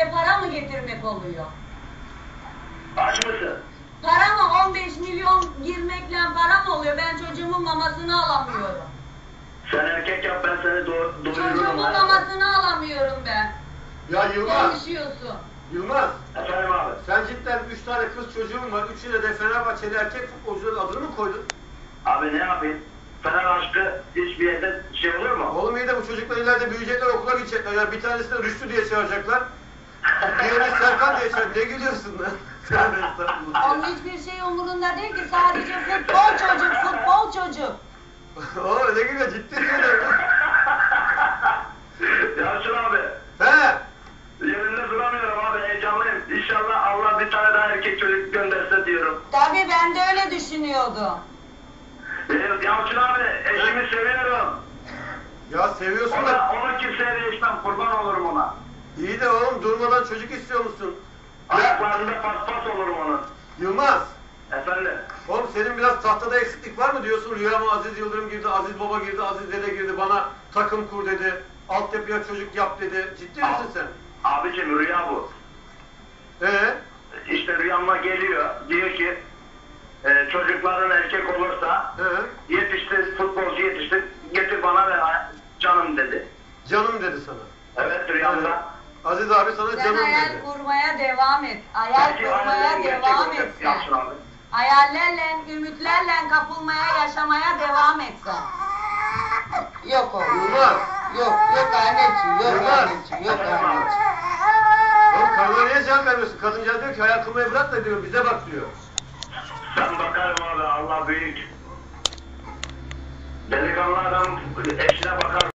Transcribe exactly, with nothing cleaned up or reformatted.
eve para mı getirmek oluyor? Aç mısın? Para mı? on beş milyon girmekle para mı oluyor? Ben çocuğumun mamasını alamıyorum. Sen erkek yap, ben seni doğ doyururum. Çocuğumun mamasını alamıyorum ben. Ya Yılmaz. Konuşuyorsun. Yılmaz. Efendim abi. Sen cidden üç tane kız çocuğun var. Üçüne de Fenerbahçeli erkek futbolcuların adını mı koydun? Abi ne yapayım? Fener aşkı hiçbir yerde şey olur mu? Oğlum iyi de bu çocuklar ileride büyüyecekler, okula gidecekler. Ya bir tanesini Rüştü diye çağıracaklar. Diğerini Serkan diye çağıracaklar. Ne gülüyorsun lan? Tövbe estağfurullah. Onun hiçbir şey umurunda değil ki. Sadece futbol çocuk, futbol çocuk. Oğlum ne gülüyor? Ciddi söylüyorum. Yalçın abi. He. Yerinde duramıyorum abi, heyecanlıyım. İnşallah Allah bir tane daha erkek çocuk gönderse diyorum. Tabii ben de öyle düşünüyordum. Ee, Yalçın abi, eşimi seviyorum. Ya seviyorsun Ona, da. onu kimseye değişmem, kurban olurum ona. İyi de oğlum durmadan çocuk istiyor musun? Ayaklarında paspas olurum onun. Yılmaz. Efendim? Oğlum senin biraz tahtada eksiklik var mı diyorsun? Rüyama Aziz Yıldırım girdi, Aziz Baba girdi, Aziz Dede girdi, bana takım kur dedi, altyapıya çocuk yap dedi. Ciddi misin sen? Abicim rüya bu. Ee? İşte rüyama geliyor, diyor ki e, çocukların erkek olursa Ee? yetiştir, futbolcu yetiştir, getir bana ver canım dedi. Canım dedi sana. Evet rüyamda. Evet. Aziz abi sana Sen canım hayal dedi. kurmaya devam et. Hayal Belki kurmaya hayallerim gerçek devam olacak, et sen. Yalçın abi. Hayallerle, ümitlerle kapılmaya, yaşamaya devam et sen. Yok oğlum. Yılmaz. Yok, yok anneciğim, yok Yılmaz. anneciğim, yok anneciğim. Oğlum karına niye cevap vermiyorsun? Kadıncağız diyor ki hayal kurmayı bırak da diyor, bize bak diyor. Ben bakarım abi, Allah büyük. Delikanlı adam eşine bakar.